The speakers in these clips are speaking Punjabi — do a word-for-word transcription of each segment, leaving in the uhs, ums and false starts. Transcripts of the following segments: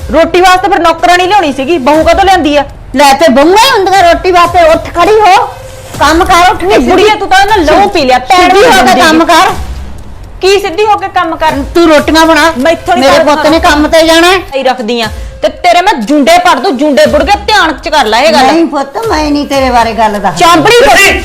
ਰੋਟੀ ਵਾਸਤੇ ਫਿਰ ਨੌਕਰਾਨੀ ਲਿਆਉਣੀ ਸੀਗੀ, ਬਹੂ ਕਦੋਂ ਲਿਆਂਦੀ ਆ? ਲੈ ਤੇ ਬਹੂਆਂ ਹੀ ਹੁੰਦੀਆਂ ਰੋਟੀ ਵਾਸਤੇ। ਉੱਠ ਖੜੀ ਹੋ, ਕੰਮ ਕਰ। ਉੱਠ ਕੇ ਬੁੜੀਆ ਤੂੰ ਤਾਂ ਨਾ ਲਹੂ ਪੀ ਲਿਆ, ਪੈਣ ਸਿੱਧੀ ਹੋ ਕੇ ਕੰਮ ਕਰ। ਕੀ ਸਿੱਧੀ ਹੋ ਕੇ ਕੰਮ ਕਰ? ਤੂੰ ਰੋਟੀਆਂ ਬਣਾ, ਮੇਰੇ ਪੁੱਤ ਨੇ ਕੰਮ ਤੇ ਜਾਣਾ ਹੀ ਰੱਖਦੀ ਆ ਤੇ ਤੇਰੇ ਮੈਂ ਜੁੰਡੇ ਪੜ ਦੂੰ, ਜੁੰਡੇ ਬੁੜ ਕੇ ਧਿਆਨ ਚ ਕਰ ਲੈ ਇਹ ਗੱਲ। ਨਹੀਂ ਪੁੱਤ, ਮੈਂ ਨਹੀਂ ਤੇਰੇ ਬਾਰੇ ਗੱਲ ਦਾ ਚਾਂਬੜੀ ਕਰ।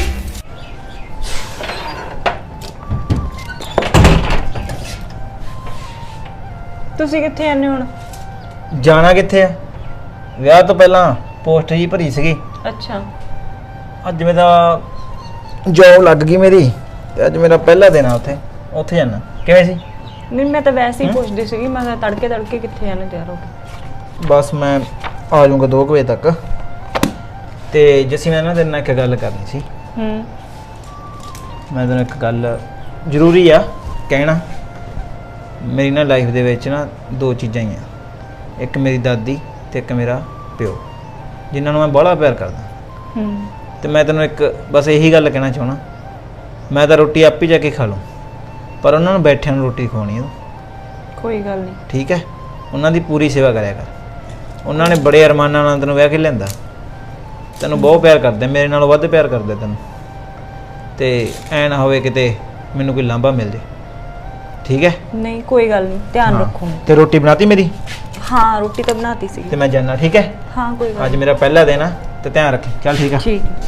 ਤੁਸੀਂ ਕਿੱਥੇ ਆਨੇ ਹੁਣ? ਜਾਣਾ ਕਿੱਥੇ ਆ? ਵਿਆਹ ਤੋਂ ਪਹਿਲਾਂ ਪੋਸਟ ਜੀ ਭਰੀ ਸੀਗੀ। ਅੱਛਾ, ਅੱਜ ਮੇਰਾ ਜੌਬ ਲੱਗ ਗਈ ਮੇਰੀ ਤੇ ਅੱਜ ਮੇਰਾ ਪਹਿਲਾ ਦਿਨ ਆ ਉੱਥੇ ਉੱਥੇ ਜਾਣਾ। ਕਿਵੇਂ ਸੀ? ਨਹੀਂ ਮੈਂ ਤਾਂ ਵੈਸੇ ਹੀ ਪੁੱਛਦੀ ਸੀਗੀ, ਮੈਂ ਤਾਂ ਤੜਕੇ ਤੜਕੇ ਕਿੱਥੇ ਆਨੇ ਤਿਆਰ ਹੋ ਕੇ। ਬਸ ਮੈਂ ਆ ਜਾਊਂਗਾ ਦੋ ਵਜੇ ਤੱਕ। ਤੇ ਜੱਸੀ ਮੈਂ ਨਾ ਤੇਰੇ ਨਾਲ ਇੱਕ ਗੱਲ ਕਰਨੀ ਸੀ। ਹੂੰ, ਮੈਂ ਤੈਨੂੰ ਇੱਕ ਗੱਲ ਜ਼ਰੂਰੀ ਆ ਕਹਿਣਾ। ਮੇਰੀ ਨਾ ਲਾਈਫ ਦੇ ਵਿੱਚ ਨਾ ਦੋ ਚੀਜ਼ਾਂ ਹੀ ਆ, ਇੱਕ ਮੇਰੀ ਦਾਦੀ ਤੇ ਇੱਕ ਮੇਰਾ ਪਿਓ, ਜਿਨ੍ਹਾਂ ਨੂੰ ਮੈਂ ਬੜਾ ਪਿਆਰ ਕਰਦਾ। ਹੂੰ, ਤੇ ਮੈਂ ਤੈਨੂੰ ਇੱਕ ਬਸ ਇਹੀ ਗੱਲ ਕਹਿਣਾ ਚਾਹਣਾ, ਮੈਂ ਤਾਂ ਰੋਟੀ ਆਪੇ ਜਾ ਕੇ ਖਾ ਲੂੰ, ਪਰ ਉਹਨਾਂ ਨੂੰ ਬੈਠਿਆਂ ਨੂੰ ਰੋਟੀ ਖਵਾਉਣੀ ਆ। ਕੋਈ ਗੱਲ ਨਹੀਂ, ਠੀਕ ਹੈ? ਉਹਨਾਂ ਦੀ ਪੂਰੀ ਸੇਵਾ ਕਰਿਆ ਕਰ। ਉਹਨਾਂ ਨੇ ਬੜੇ ਅਰਮਾਨਾਂ ਨਾਲ ਤੈਨੂੰ ਵਿਆਹ ਕੇ ਲਿਆਂਦਾ, ਤੈਨੂੰ ਬਹੁਤ ਪਿਆਰ ਕਰਦੇ, ਮੇਰੇ ਨਾਲੋਂ ਵੱਧ ਪਿਆਰ ਕਰਦੇ ਤੈਨੂੰ। ਤੇ ਐ ਨਾ ਹੋਵੇ ਕਿਤੇ ਮੈਨੂੰ ਕੋਈ ਲਾਂਭਾ ਮਿਲ ਜੇ। ਠੀਕ ਹੈ? ਨਹੀਂ ਕੋਈ ਗੱਲ ਨਹੀਂ, ਧਿਆਨ ਰੱਖੋ। ਤੇ ਰੋਟੀ ਬਣਾਤੀ ਮੇਰੀ? ਹਾਂ, ਰੋਟੀ ਤਾਂ ਬਣਾਤੀ ਸੀ। ਤੇ ਮੈਂ ਜਾਣਾ। ਠੀਕ ਹੈ? ਹਾਂ ਕੋਈ ਗੱਲ ਅੱਜ ਮੇਰਾ ਪਹਿਲਾ ਦਿਨ ਆ ਤੇ ਧਿਆਨ ਰੱਖੀ। ਚੱਲ ਠੀਕ ਆ। ਠੀਕ ਹੈ।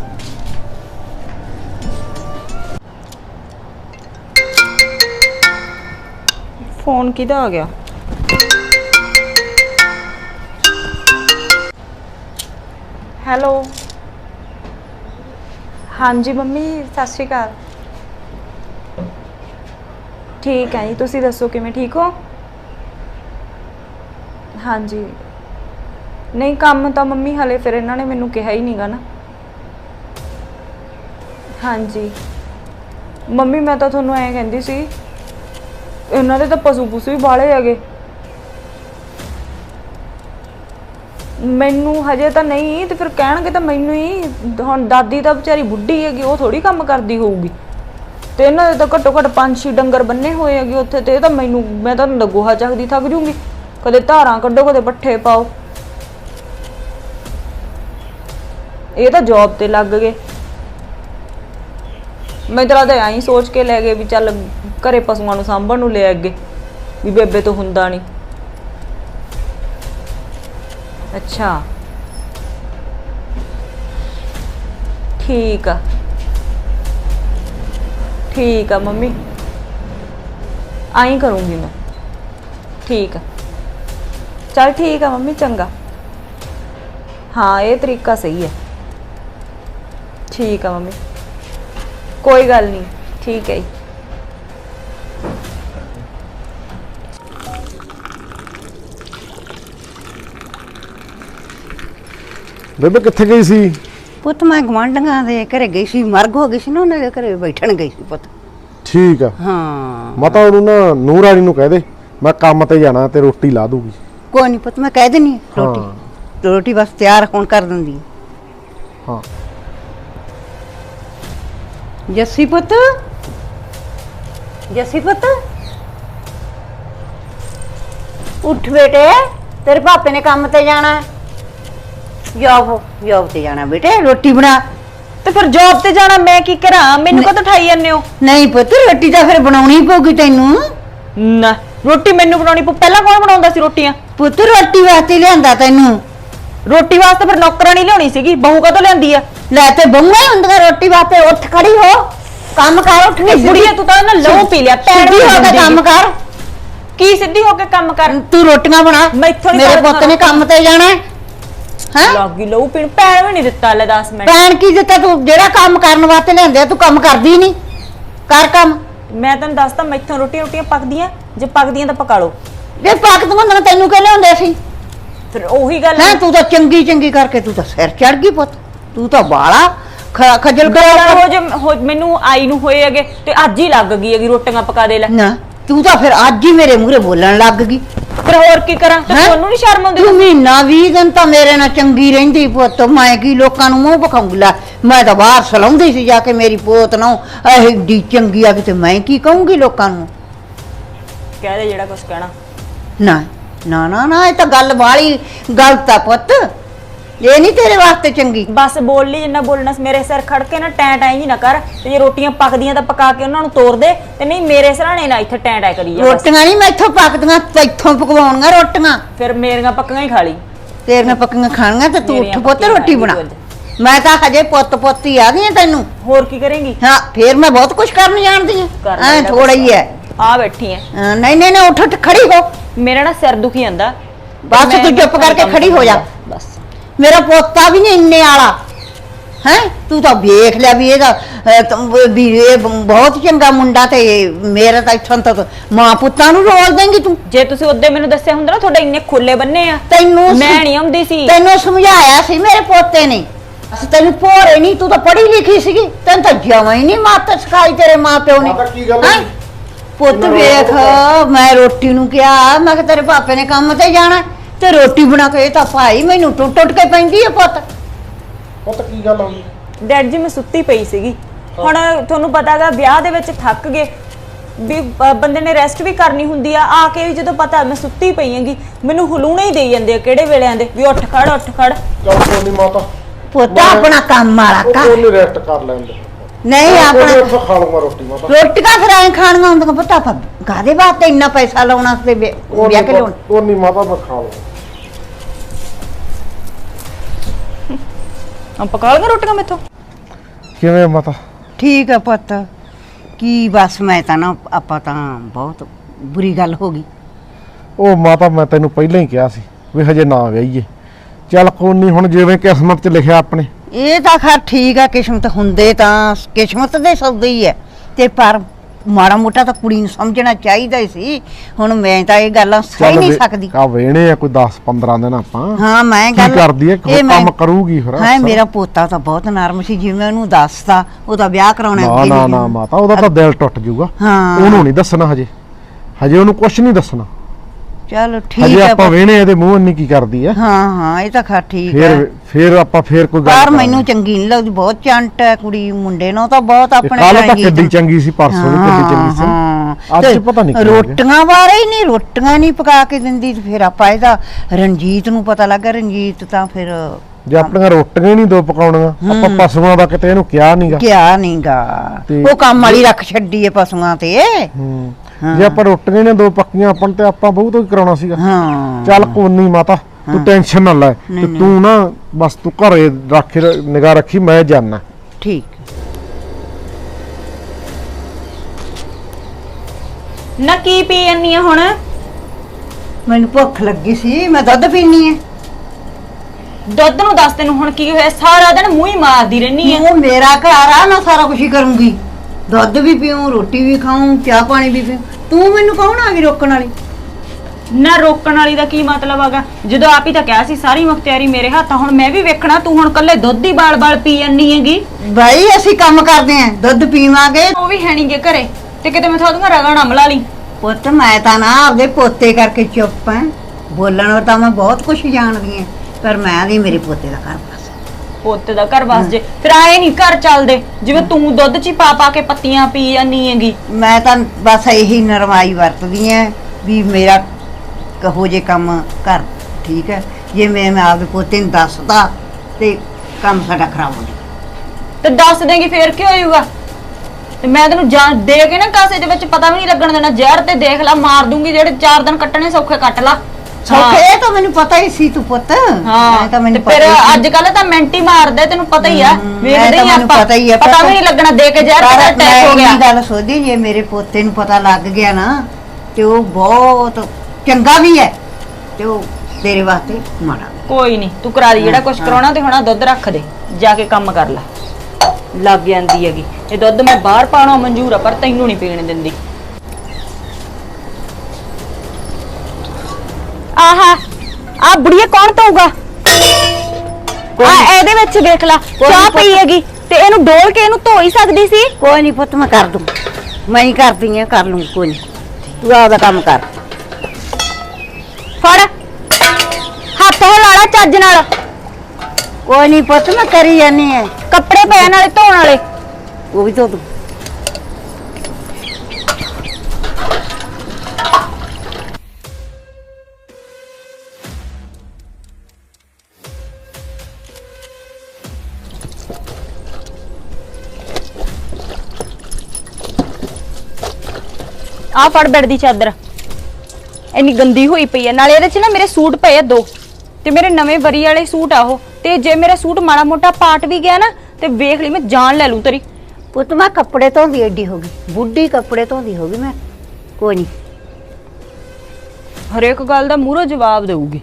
ਫੋਨ ਕਿਹਦਾ ਆ ਗਿਆ? ਹੈਲੋ, ਹਾਂਜੀ ਮੰਮੀ ਸਤਿ ਸ਼੍ਰੀ ਅਕਾਲ। ਠੀਕ ਹੈ ਜੀ, ਤੁਸੀਂ ਦੱਸੋ ਕਿਵੇਂ, ਠੀਕ ਹੋ? ਹਾਂਜੀ, ਨਹੀਂ ਕੰਮ ਤਾਂ ਮੰਮੀ ਹਲੇ ਫਿਰ ਇਹਨਾਂ ਨੇ ਮੈਨੂੰ ਕਿਹਾ ਹੀ ਨਹੀਂਗਾ ਨਾ। ਹਾਂਜੀ ਮੰਮੀ, ਮੈਂ ਤਾਂ ਤੁਹਾਨੂੰ ਐਂ ਕਹਿੰਦੀ ਸੀ, ਇਹਨਾਂ ਦੇ ਤਾਂ ਪਸ਼ੂ ਪਸ਼ੂ ਵੀ ਬਾਲੇ ਹੈਗੇ। ਮੈਨੂੰ ਹਜੇ ਤਾਂ ਨਹੀਂ, ਤੇ ਫਿਰ ਕਹਿਣਗੇ ਤਾਂ ਮੈਨੂੰ ਹੀ। ਹੁਣ ਦਾਦੀ ਤਾਂ ਵਿਚਾਰੀ ਬੁੱਢੀ ਹੈਗੀ, ਉਹ ਥੋੜੀ ਕੰਮ ਕਰਦੀ ਹੋਊਗੀ। ਤੇ ਇਹਨਾਂ ਦੇ ਤਾਂ ਘੱਟੋ ਘੱਟ ਪੰਜ ਛੇ ਡੰਗਰ ਬੰਨੇ ਹੋਏ ਹੈਗੇ ਉੱਥੇ। ਤੇ ਇਹ ਤਾਂ ਮੈਨੂੰ, ਮੈਂ ਤਾਂ ਗੋਹਾ ਚੱਕਦੀ ਥੱਕ ਜੂੰਗੀ। ਕਦੇ ਧਾਰਾਂ ਕੱਢੋ, ਕਦੇ ਪੱਠੇ ਪਾਓ। ਇਹ ਤਾਂ ਜੌਬ ਤੇ ਲੱਗ ਗਏ। ਮੈਂ ਤਾਂ ਲੱਗਦਾ ਐਂ ਸੋਚ ਕੇ ਲੈ ਗਏ ਵੀ ਚੱਲ ਘਰੇ ਪਸ਼ੂਆਂ ਨੂੰ ਸਾਂਭਣ ਨੂੰ ਲੈ ਅੱਗੇ, ਵੀ ਬੇਬੇ ਤੋਂ ਹੁੰਦਾ ਨਹੀਂ। ਅੱਛਾ ਠੀਕ ਆ, ਠੀਕ ਆ ਮੰਮੀ, ਆਈ ਕਰੂੰਗੀ ਮੈਂ। ਠੀਕ ਆ, ਚੱਲ ਠੀਕ ਆ ਮੰਮੀ, ਚੰਗਾ। ਹਾਂ ਇਹ ਤਰੀਕਾ ਸਹੀ ਹੈ। ਠੀਕ ਆ ਮੰਮੀ, ਕੋਈ ਗੱਲ ਨਹੀਂ, ਠੀਕ ਹੈ ਜੀ। ਬੇਬੇ ਕਿੱਥੇ ਗਈ ਸੀ? ਪੁੱਤ ਮੈਂ ਗਵਾਂਢੀਆਂ ਦੇ ਘਰੇ ਗਈ ਸੀ, ਮਰਗ ਹੋ ਗਈ ਸੀ ਨਾ, ਉਹਨਾਂ ਦੇ ਘਰੇ ਬੈਠਣ ਗਈ ਸੀ ਪੁੱਤ। ਠੀਕ ਆ। ਹਾਂ ਮਾਤਾ ਉਹਨੂੰ ਨਾ ਨੂੰਹ ਰਾਣੀ ਨੂੰ ਕਹਿ ਦੇ ਮੈਂ ਕੰਮ ਤੇ ਜਾਣਾ ਤੇ ਰੋਟੀ ਲਾ ਦੂਗੀ। ਕੋਈ ਨਹੀਂ ਪੁੱਤ, ਮੈਂ ਕਹਿ ਦਿੰਦੀ ਰੋਟੀ ਰੋਟੀ ਬਸ ਤਿਆਰ ਹੋਣ ਕਰ ਦਿੰਦੀ। ਹਾਂ ਜੱਸੀ ਪੁੱਤ, ਜੱਸੀ ਪੁੱਤ ਉੱਠ ਬੇਟੇ, ਤੇਰੇ ਪਾਪੇ ਨੇ ਕੰਮ ਤੇ ਜਾਣਾ। ਜੋਬ ਜੋਬ ਤੇ ਜਾਣਾ ਬੇਟੇ, ਰੋਟੀ ਬਣਾ। ਤੇ ਫਿਰ ਜੌਬ ਤੇ ਜਾਣਾ, ਮੈਂ ਕੀ ਕਰਾਂ? ਮੈਨੂੰ ਕਦੋਂ ਠਾਈ ਜਾਂਦੇ ਹੋ? ਨਹੀਂ ਪੁੱਤ, ਰੋਟੀ ਤਾਂ ਫਿਰ ਬਣਾਉਣੀ ਪਊਗੀ ਤੈਨੂੰ। ਨਾ, ਰੋਟੀ ਮੈਨੂੰ ਬਣਾਉਣੀ ਪਊ। ਪਹਿਲਾਂ ਕੌਣ ਬਣਾਉਂਦਾ ਸੀ ਰੋਟੀਆਂ? ਪੁੱਤ ਰੋਟੀ ਵਾਸਤੇ ਲਿਆਂਦਾ ਤੈਨੂੰ। ਰੋਟੀ ਵਾਸਤੇ ਫਿਰ ਨੌਕਰਾਨੀ ਲਿਆਉਣੀ ਸੀਗੀ, ਬਹੂ ਕਦੋਂ ਲਿਆਂਦੀ ਆ? ਲੈ ਤੇ ਬਹੂਆਂ ਹੀ ਹੁੰਦੀਆਂ ਰੋਟੀ ਵਾਸਤੇ। ਉੱਠ ਖੜੀ ਹੋ, ਕੰਮ ਕਰ। ਉੱਠ ਕੇ ਬੁੜੀਆ ਤੂੰ ਤਾਂ ਨਾ ਲਹੂ ਪੀ ਲਿਆ, ਪੈਣ ਸਿੱਧੀ ਹੋ ਕੇ ਕੰਮ ਕਰ। ਕੀ ਸਿੱਧੀ ਹੋ ਕੇ ਕੰਮ ਕਰ? ਤੂੰ ਰੋਟੀਆਂ ਬਣਾ, ਮੈਥੋਂ ਨੀ ਮੇਰੇ ਕੰਮ ਪੁੱਤ ਨੇ ਕੰਮ ਤੇ ਜਾਣਾ ਹੈ। ਲੱਗੀ ਲਹੂ ਪੀਣ, ਪੈਣ ਵੀ ਨਹੀਂ ਦਿੱਤਾ ਲੈ ਦਸ ਮਿੰਟ। ਪੈਣ ਕੀ ਦਿੱਤਾ? ਤੂੰ ਜਿਹੜਾ ਕੰਮ ਕਰਨ ਵਾਸਤੇ ਲਿਆਂਦੇ ਤੂੰ ਕੰਮ ਕਰਦੀ ਨਹੀਂ। ਕਰ ਕੰਮ। ਮੈਂ ਤੈਨੂੰ ਦੱਸਦਾ, ਮੈਥੋਂ ਰੋਟੀਆਂ ਰੋਟੀਆਂ ਪੱਕਦੀਆਂ, ਜੇ ਪੱਕਦੀਆਂ ਤਾਂ ਪਕਾ ਲਓ। ਜੇ ਪੱਕਦੀਆਂ ਹੁੰਦੀਆਂ ਤੈਨੂੰ ਕਿਹ ਲਿਆਉਂਦੇ ਸੀ? ਫਿਰ ਉਹੀ ਗੱਲ ਹੈ, ਤੂੰ ਤਾਂ ਚੰਗੀ ਚੰਗੀ ਕਰਕੇ ਤੂੰ ਤਾਂ ਸਿਰ ਚੜ ਗਈ ਪੁੱਤ। ਤੂੰ ਤਾਂ ਬਾਲਾ ਖੱਜਲ ਕਰ ਹੋ ਜੇ ਮੈਨੂੰ ਆਈ ਨੂੰ ਹੋਏ ਹੈਗੇ ਤੇ ਅੱਜ ਹੀ ਲੱਗ ਗਈ ਹੈਗੀ ਰੋਟੀਆਂ ਪਕਾ ਦੇ ਲੈ। ਨਾ ਤੂੰ ਤਾਂ ਫਿਰ ਅੱਜ ਹੀ ਮੇਰੇ ਮੂਹਰੇ ਬੋਲਣ ਲੱਗ ਗਈ। ਫਿਰ ਹੋਰ ਕੀ ਕਰਾਂ? ਤੇ ਤੁਹਾਨੂੰ ਨਹੀਂ ਸ਼ਰਮ ਆਉਂਦੀ? ਤੂੰ ਮਹੀਨਾ ਵੀਹ ਦਿਨ ਤਾਂ ਮੇਰੇ ਨਾਲ ਚੰਗੀ ਰਹਿੰਦੀ ਪੁੱਤ। ਮੈਂ ਕੀ ਲੋਕਾਂ ਨੂੰ ਮੂੰਹ ਵਿਖਾਉਂਗਾ? ਮੈਂ ਤਾਂ ਬਾਹਰ ਸਲਾਉਂਦੀ ਸੀ ਜਾ ਕੇ, ਮੇਰੀ ਪੋਤ ਨੂੰ ਐਡੀ ਚੰਗੀ ਆ, ਕਿਤੇ ਮੈਂ ਕੀ ਕਹੂੰਗੀ ਲੋਕਾਂ ਨੂੰ? ਕਹਿ ਦੇ ਜਿਹੜਾ ਕੁਛ ਕਹਿਣਾ। ਨਾ ਨਾ ਨਾ ਨਾ ਇਹ ਤਾਂ ਗੱਲ ਵਾਲੀ ਗਲਤ ਆ ਪੁੱਤ, ਇਹ ਨਹੀਂ ਤੇਰੇ ਵਾਸਤੇ ਚੰਗੀ। ਬਸ ਬੋਲ ਲਈ ਜਿੰਨਾ ਬੋਲਣਾ ਸੀ, ਮੇਰੇ ਸਿਰ ਖੜ ਕੇ ਨਾ ਟੈਂ ਟੈਂ ਜੀ ਨਾ ਕਰ, ਤੇ ਜੇ ਰੋਟੀਆਂ ਪੱਕਦੀਆਂ ਤਾਂ ਪਕਾ ਕੇ ਉਹਨਾਂ ਨੂੰ ਤੋੜ ਦੇ, ਤੇ ਨਹੀਂ ਮੇਰੇ ਸਰਾਣੇ ਨਾ ਇੱਥੇ ਟੈਂ ਟੈਂ ਕਰੀ ਜਾ। ਰੋਟੀਆਂ ਨਹੀਂ ਮੈਥੋਂ ਪੱਕਦੀਆਂ, ਤੈਥੋਂ ਪਕਵਾਉਣੀਆਂ ਰੋਟੀਆਂ। ਫਿਰ ਮੇਰੀਆਂ ਪੱਕੀਆਂ ਹੀ ਖਾ ਲਈ। ਤੇਰੀਆਂ ਪੱਕੀਆਂ ਖਾਣੀਆਂ ਤੇ ਤੂੰ ਮੇਰੀਆਂ ਉੱਠ ਪੁੱਤ ਪੱਕੀਆਂ ਰੋਟੀ ਬਣਾ। ਖਾਣੀਆਂ। ਮੈਂ ਤਾਂ ਹਜੇ ਪੁੱਤ ਪੁੱਤ ਹੀ ਆ ਗਈ ਆਂ ਤੈਨੂੰ। ਹੋਰ ਕੀ ਕਰੇਂਗੀ? ਹਾਂ ਫੇਰ ਮੈਂ ਬਹੁਤ ਕੁਝ ਕਰਨ ਜਾਣਦੀ ਆ, ਕਰ ਐ ਲੈਣਾ ਥੋੜਾ ਹੀ ਹੈ। ਆ ਬੈਠੀ ਐ। ਹਾਂ, ਨਹੀਂ ਨਹੀਂ ਨਹੀਂ ਉੱਠ ਉੱਠ ਖੜੀ ਹੋ। ਮੇਰਾ ਨਾ ਸਿਰ ਦੁਖੀ ਜਾਂਦਾ। ਬਸ ਮੈਂ ਤੂੰ ਚੁੱਪ ਕਰਕੇ ਕੰਮ ਖੜੀ ਹੋ ਜਾ। ਬਸ ਮੇਰਾ ਪੋਤਾ ਵੀ ਨਹੀਂ ਇੰਨੇ ਵਾਲਾ ਹੈ, ਤੂੰ ਤਾਂ ਵੇਖ ਲਿਆ ਵੀ ਇਹਦਾ ਅਹ, ਤੂੰ ਵੀ ਇਹ ਬਹੁਤ ਚੰਗਾ ਮੁੰਡਾ, ਤੇ ਮੇਰਾ ਤਾਂ ਇੱਥੋਂ ਤੱਕ ਮਾਂ ਪੁੱਤਾਂ ਨੂੰ ਰੋਲ ਦੇਂਗੀ ਤੂੰ। ਜੇ ਤੁਸੀਂ ਉਹਦੇ ਮੈਨੂੰ ਦੱਸਿਆ ਹੁੰਦਾ ਨਾ ਤੁਹਾਡੇ ਇੰਨੇ ਖੁੱਲੇ ਬੰਨੇ ਆ, ਤੈਨੂੰ ਸ- ਮੈਂ ਨਹੀਂ ਆਉਂਦੀ ਸੀ। ਤੈਨੂੰ ਸਮਝਾਇਆ ਸੀ ਮੇਰੇ ਪੋਤੇ ਨੇ, ਅਸੀਂ ਤੈਨੂੰ ਭੋਰੇ ਨਹੀਂ, ਤੂੰ ਤਾਂ ਪੜ੍ਹੀ ਲਿਖੀ ਸੀਗੀ, ਤੈਨੂੰ ਤਾਂ ਜਮਾਂ ਹੀ ਨਹੀਂ ਮੱਤ ਸਿਖਾਈ ਤੇਰੇ ਮਾਂ ਪਿਓ ਨੇ। ਮਾਤਾ ਕੀ ਗੱਲ ਹੈਂ? ਹੋਈ? ਪੁੱਤ ਵੇਖ, ਮੈਂ ਰੋਟੀ ਨੂੰ ਕਿਹਾ, ਮੈਂ ਕਿ ਤੇਰੇ ਪਾਪੇ ਨੇ ਕੰਮ ਤੇ ਜਾਣਾ, ਤੇ ਰੋਟੀ ਬਣਾ ਕੇ ਇਹ ਤਾਂ ਭਾਈ ਮੈਨੂੰ ਟੁੱਟ ਟੁੱਟ ਕੇ ਪੈਂਦੀ ਹੈ ਪੁੱਤ। ਪੁੱਤ ਕੀ ਗੱਲ ਹੋ ਗਈ? ਡੈਡ ਜੀ ਮੈਂ ਸੁੱਤੀ ਪਈ ਸੀਗੀ, ਹੁਣ ਤੁਹਾਨੂੰ ਪਤਾਗਾ ਵਿਆਹ ਦੇ ਵਿੱਚ ਥੱਕ ਗਏ ਵੀ ਬ- ਬੰਦੇ ਨੇ ਰੈਸਟ ਵੀ ਕਰਨੀ ਹੁੰਦੀ ਆ, ਆ ਕੇ ਵੀ ਜਦੋਂ ਪਤਾ ਮੈਂ ਸੁੱਤੀ ਪਈ ਹੈਗੀ ਮੈਨੂੰ ਹਲੂਣੇ ਹੀ ਦੇਈ ਜਾਂਦੇ ਆ ਕਿਹੜੇ ਵੇਲਿਆਂ ਦੇ ਵੀ ਉੱਠ ਖੜ ਉੱਠ ਖੜ। ਚੱਲ ਕੋਈ ਨਹੀਂ ਮਾਤਾ, ਪੁੱਤ ਆਪਣਾ ਕੰਮ ਵਾਲਾ ਉਹ ਕਰ, ਕੋਈ ਨਹੀਂ ਰੈਸਟ ਕਰ ਲੈਂਦੇ। ਨਹੀਂ ਆਪਣਾ ਉੱਥੇ ਖਾ ਲੂੰਗਾ ਰੋਟੀ ਮਾਤਾ। ਰੋਟੀਆਂ ਫਿਰ ਐਂ ਖਾਣੀਆਂ ਹੁੰਦੀਆਂ ਪੁੱਤ, ਆਪਾਂ ਕਾਹਦੇ ਵਾਸਤੇ ਇੰਨਾ ਪੈਸਾ ਲਾਉਣਾ ਤੇ ਵਿਆਹ ਕੇ ਲਿਆਉਣਾ। ਕੋਈ ਨਹੀਂ ਮਾਤਾ ਮੈਂ ਖਾ ਲੂੰਗਾ। ਆ ਪਕਾ ਲਗਾ ਰੋਟੀਆਂ ਮੈਥੋਂ। ਕਿਵੇਂ ਮਾਤਾ? ਠੀਕ ਹੈ ਪੁੱਤ, ਕੀ ਬਸ ਮੈਂ ਤਾਂ ਨਾ ਆਪਾਂ ਤਾਂ ਬਹੁਤ ਬੁਰੀ ਗੱਲ ਹੋ ਗਈ। ਉਹ ਮਾਤਾ ਮੈਂ ਤੈਨੂੰ ਪਹਿਲਾਂ ਹੀ ਕਿਹਾ ਸੀ ਵੀ ਹਜੇ ਨਾ ਵਿਆਹੀਏ। ਚੱਲ ਕੋਈ ਨਹੀਂ, ਹੁਣ ਜਿਵੇਂ ਕਿਸਮਤ 'ਚ ਲਿਖਿਆ ਆਪਣੇ। ਇਹ ਤਾਂ ਖੈਰ ਠੀਕ ਆ, ਕਿਸਮਤ ਹੁੰਦੇ ਤਾਂ ਕਿਸਮਤ ਦੇ ਸੌਦੇ ਹੀ ਹੈ, ਤੇ ਪਰ ਮਾੜਾ ਮੋਟਾ ਤਾਂ ਕੁੜੀ ਨੂੰ ਸਮਝਣਾ ਚਾਹੀਦਾ ਹੀ ਸੀ। ਹੁਣ ਮੈਂ ਤਾਂ ਇਹ ਗੱਲਾਂ ਸਹੀ ਨਹੀਂ ਸਕਦੀ। ਆ ਵੇਣੇ ਆ ਕੋਈ ਦਸ ਪੰਦਰਾਂ ਦਿਨ ਆਪਾਂ। ਹਾਂ ਮੈਂ ਕੀ ਗੱਲ ਕਰਦੀ ਹੈ, ਇਹ ਮੈਂ- ਕੰਮ ਕਰੂਗੀ ਫਿਰ। ਹਾਂ ਮੇਰਾ ਪੋਤਾ ਤਾਂ ਬਹੁਤ ਨਰਮ ਸੀ, ਜਿਵੇਂ ਉਹਨੂੰ ਦੱਸਦਾ ਉਹਦਾ ਵਿਆਹ ਕਰਾਉਣਾ ਨਾ ਅੱਗੇ ਨਾ ਨਹੀਂ। ਨਾ ਮਾਤਾ, ਉਹਦਾ ਤਾਂ ਦਿਲ ਟੁੱਟ ਜਾਊਗਾ। ਹਾਂ। ਉਹਨੂੰ ਨਹੀਂ ਦੱਸਣਾ ਹਜੇ, ਹਜੇ ਉਹਨੂੰ ਕੁਝ ਨਹੀਂ ਦੱਸਣਾ। ਚਲੋ ਠੀਕ ਹਜੇ ਹੈ ਆਪਾਂ ਪੁੱਤ। ਵੇਣੇ ਇਹਦੇ ਮੂੰਹ ਇੰਨੀ ਕੀ ਕਰਦੀ ਹੈ। ਹਾਂ ਹਾਂ ਇਹ ਤਾਂ ਖੈਰ ਠੀਕ ਫਿਰ ਹੈ, ਫਿਰ ਆਪਾਂ ਫਿਰ ਕੋਈ ਗੱਲ ਪਰ ਕਰਾਂਗੇ। ਮੈਨੂੰ ਚੰਗੀ ਨਹੀਂ ਲੱਗਦੀ, ਬਹੁਤ ਚੰਟ ਹੈ ਕੁੜੀ, ਮੁੰਡੇ ਨੂੰ ਤਾਂ ਬਹੁਤ ਆਪਣੇ ਕੱਲ ਤਾਂ ਰੰਗੀਨ- ਕਿੱਡੀ ਚੰਗੀ ਸੀ, ਪਰਸੋਂ ਵੀ ਕਿੱਡੀ ਚੰਗੀ ਸੀ। ਹਾਂ, ਅੱਜ ਤੇ ਪਤਾ ਨਹੀਂ ਕੀ ਹੋ ਗਿਆ। ਰੋਟੀਆਂ ਬਾਰੇ ਹੀ ਨਹੀਂ, ਰੋਟੀਆਂ ਨਹੀਂ ਪਕਾ ਕੇ ਦਿੰਦੀ, ਤੇ ਫਿਰ ਆਪਾਂ ਇਹਦਾ ਰਣਜੀਤ ਨੂੰ ਪਤਾ ਲੱਗਾ, ਰਣਜੀਤ ਤਾਂ ਫਿਰ ਜੇ ਆਪਣੀਆਂ ਰੋਟੀਆਂ ਹੀ ਨਹੀਂ ਦੋ ਪਕਾਉਣੀਆਂ, ਆਪਾਂ ਪਸ਼ੂਆਂ ਦਾ ਕਿਤੇ ਇਹਨੂੰ ਕਿਹਾ ਨਹੀਂਗਾ। ਕਿਆ ਨਹੀਂਗਾ, ਤੇ- ਉਹ ਕੰਮ ਵਾਲੀ ਰੱਖ ਛੱਡੀ ਹੈ ਪਸ਼ੂਆਂ ਤੇ। ਹੂੰ, ਹਾਂ। ਜੇ ਆਪਾਂ ਰੋਟੀਆਂ ਹੀ ਨੇ ਦੋ ਪੱਕੀਆਂ ਆਪਾਂ ਨੂੰ, ਤੇ ਆਪਾਂ ਬਹੁਤ ਹੀ ਕਰਾਉਣਾ ਸੀਗਾ। ਹਾਂ ਚੱਲ ਕੋਈ ਨਹੀਂ ਮਾਤਾ, ਤੂੰ ਟੈਨਸ਼ਨ ਨਾ ਲੈ, ਨਹੀਂ, ਤੇ ਤੂੰ ਨਾ ਬਸ ਤੂੰ ਘਰੇ ਰੱਖ ਨਿਗਾਹ ਰੱਖੀ, ਮੈਂ ਜਾਣਾ। ਠੀਕ। ਨਾ ਕੀ ਪੀ ਜੰਨੀ ਆ ਹੁਣ? ਮੈਨੂੰ ਭੁੱਖ ਲੱਗੀ ਸੀ, ਮੈਂ ਦੁੱਧ ਪੀਣੀ ਹੈ। ਦੁੱਧ ਨੂੰ ਦੱਸ ਤੈਨੂੰ ਹੁਣ ਕੀ ਹੋਇਆ, ਸਾਰਾ ਦਿਨ ਮੂੰਹ ਹੀ ਮਾਰਦੀ ਰਹਿਨੀ ਆ। ਉਹ ਮੇਰਾ ਘਰ ਆ, ਮੈਂ ਸਾਰਾ ਕੁਝ ਹੀ ਕਰੂੰਗੀ, ਦੁੱਧ ਵੀ ਪੀਉਂ, ਰੋਟੀ ਵੀ ਖਾਉਂ, ਚਾਹ ਪਾਣੀ ਵੀ ਪੀਉਂ। ਤੂੰ ਮੈਨੂੰ ਕੌਣ ਆ ਗਈ ਰੋਕਣ ਵਾਲੀ? ਨਾ ਰੋਕਣ ਵਾਲੀ ਦਾ ਕੀ ਮਤਲਬ ਹੈਗਾ, ਜਦੋਂ ਆਪ ਹੀ ਤਾਂ ਕਿਹਾ ਸੀ ਸਾਰੀ ਮੁਖਤਿਆਰੀ ਮੇਰੇ ਹੱਥ ਆ, ਹੁਣ ਮੈਂ ਵੀ ਵੇਖਣਾ, ਤੂੰ ਹੁਣ ਕੱਲੇ ਦੁੱਧ ਹੀ ਬਾਲ-ਬਾਲ ਪੀ ਜੰਨੀ ਹੈਗੀ। ਬਾਈ ਅਸੀਂ ਕੰਮ ਕਰਦੇ ਆਂ, ਦੁੱਧ ਪੀਵਾਂਗੇ। ਉਹ ਵੀ ਹੈ ਨਹੀਂਗੇ ਘਰੇ, ਤੇ ਕਿਤੇ ਮੈਂ ਤੁਹਾਡੀਆਂ ਰਗਾਂ ਨਾ ਮਲਾ ਲਈ। ਪੁੱਤ ਮੈਂ ਤਾਂ ਨਾ ਆਪਦੇ ਪੋਤੇ ਕਰਕੇ ਚੁੱਪ ਆਂ, ਬੋਲਣ ਤਾਂ ਮੈਂ ਬਹੁਤ ਕੁਝ ਜਾਣਦੀ ਆਂ, ਪਰ ਮੈਂ ਨਹੀਂ ਮੇਰੇ ਪੋਤੇ ਦਾ ਘਰ ਬਸ। ਪੋਤੇ ਦਾ ਘਰ ਵਸ ਜੇ, ਫਿਰ ਆਏ ਨਹੀਂ ਘਰ ਚੱਲਦੇ, ਜਿਵੇਂ ਤੂੰ ਦੁੱਧ ਚ ਹੀ ਪਾ ਪਾ ਕੇ ਪੱਤੀਆਂ ਪੀ ਜੰਨੀ ਹੈਗੀ। ਮੈਂ ਤਾਂ ਬਸ ਇਹੀ ਨਰਮਾਈ ਵਰਤਦੀ ਆਂ ਵੀ ਮੇਰਾ ਕਹੋ ਜੇ ਕੰਮ ਕਰ, ਠੀਕ ਹੈ। ਜੇ ਮੈਂ ਮੈਂ ਆਪਦੇ ਪੋਤੇ ਨੂੰ ਦੱਸਦਾ ਤੇ ਕੰਮ ਸਾਡਾ ਖਰਾਬ ਹੋ ਜਾਊ। ਤੇ ਦੱਸ ਦੇਂਗੀ ਫੇਰ ਕੀ ਹੋ ਜਾਊਗਾ? ਤੇ ਮੈਂ ਤੈਨੂੰ ਜਾਨ ਦੇ ਕੇ ਨਾ ਕਾਸੇ ਦੇ ਵਿੱਚ ਪਤਾ ਵੀ ਨਹੀਂ ਲੱਗਣ ਦੇਣਾ, ਜ਼ਹਿਰ ਤੇ ਦੇਖ ਲੈ ਮਾਰ ਦੂੰਗੀ, ਜਿਹੜੇ ਚਾਰ ਦਿਨ ਕੱਟਣੇ ਸੌਖੇ ਕੱਟ ਲਾ। ਸੌਖੇ ਇਹ ਤਾਂ ਮੈਨੂੰ ਪਤਾ ਹੀ ਸੀ ਤੂੰ ਪੁੱਤ। ਹਾਂ ਇਹ ਤਾਂ ਮੈਨੂੰ ਤੇ ਫਿਰ ਪਤਾ ਹੀ ਸੀ। ਅੱਜ ਕੱਲ ਤਾਂ ਮਿੰਟ ਹੀ ਮਾਰਦੇ, ਤੈਨੂੰ ਪਤਾ ਹੀ ਆ, ਹਮ, ਵੇਖਦੇ ਇਹ ਤਾਂ ਹੀ ਮੈਨੂੰ ਆਪਾਂ, ਪਤਾ ਹੀ ਆ, ਪਤਾ ਪਰ- ਵੀ ਨਹੀਂ ਲੱਗਣਾ ਦੇ ਕੇ ਜ਼ਹਿਰ ਪਰ ਤੇ ਮੈਂ ਅਟੈਕ ਹੋ ਗਿਆ। ਇਹ ਗੱਲ ਸੋਚਦੀ, ਜੇ ਮੇਰੇ ਪੋਤੇ ਨੂੰ ਪਤਾ ਲੱਗ ਗਿਆ ਨਾ, ਤੇ ਉਹ ਬਹੁਤ ਚੰਗਾ ਵੀ ਹੈ, ਤੇ ਉਹ ਤੇਰੇ ਵਾਸਤੇ ਮਾੜਾ। ਕੋਈ ਨਹੀਂ, ਤੂੰ ਕਰਾ ਦੀ ਜਿਹੜਾ ਕੁਝ ਕਰਾਉਣਾ, ਤੇ ਹੁਣਾ ਦੁੱਧ ਰੱਖ ਦੇ, ਜਾ ਕੇ ਕੰਮ ਕਰ ਲੈ। ਲੱਗ ਜਾਂਦੀ ਹੈਗੀ ਇਹ ਦੁੱਧ, ਮੈਂ ਬਾਹਰ ਪਾਉਣਾ ਮਨਜ਼ੂਰ ਆ, ਪਰ ਤੈਨੂੰ ਨਹੀਂ ਪੀਣ ਦਿੰਦੀ। ਆਹਾ ਆ ਬੁੜੀਏ ਕੌਣ ਧੋਊਗਾ? ਆ ਇਹਦੇ ਵਿੱਚ ਵੇਖ ਲੈ, ਚਾਹ ਪਈ ਹੈਗੀ, ਤੇ ਇਹਨੂੰ ਡੋਲ ਕੇ ਇਹਨੂੰ ਧੋ ਹੀ ਸਕਦੀ ਸੀ। ਕੋਈ ਨਹੀਂ ਪੁੱਤ, ਮੈਂ ਕਰ ਦੂੰ, ਮੈਂ ਹੀ ਕਰਦੀ ਆ, ਕਰ ਲੂੰ, ਕੋਈ ਨਹੀਂ, ਤੂੰ ਆਪਦਾ ਕੰਮ ਕਰ। ਫੜ ਹੱਥ ਹੋ ਲਾਲਾ ਚੱਜ ਨਾਲ, ਕੋਈ ਨਹੀਂ ਪੁੱਤ, ਮੈਂ ਕਰੀ ਜਾਨੀ ਆ, ਕੱਪੜੇ ਪਏ ਨਾਲੇ ਧੋਣ ਵਾਲੇ। ਉਹ ਵੀ ਧੋ ਦੂੰ। ਆ ਫੜ ਬੈੱਡ ਦੀ ਚਾਦਰ ਇੰਨੀ ਗੰਦੀ ਹੋਈ ਪਈ ਹੈ। ਨਾਲੇ ਇਹਦੇ ਚ ਨਾ ਮੇਰੇ ਸੂਟ ਪਏ ਆ ਦੋ ਤੇ ਮੇਰੇ ਨਵੇਂ ਵਰੀ ਵਾਲੇ ਸੂਟ ਆ ਉਹ। ਤੇ ਜੇ ਮੇਰਾ ਸੂਟ ਮਾੜਾ ਮੋਟਾ ਪਾਟ ਵੀ ਗਿਆ ਨਾ ਤੇ ਵੇਖ ਲਈ ਮੈਂ ਜਾਨ ਲੈ ਲੂੰ ਤੇਰੀ। ਪੁੱਤ ਮੈਂ ਕੱਪੜੇ ਧੋਂਦੀ ਐਡੀ ਹੋ ਗਈ, ਬੁੱਢੀ ਕੱਪੜੇ ਧੋਂਦੀ ਹੋ ਗਈ ਮੈਂ। ਕੋਈ ਨਹੀਂ, ਹਰੇਕ ਗੱਲ ਦਾ ਮੂਹਰੋਂ ਜਵਾਬ ਦੇਊਗੀ।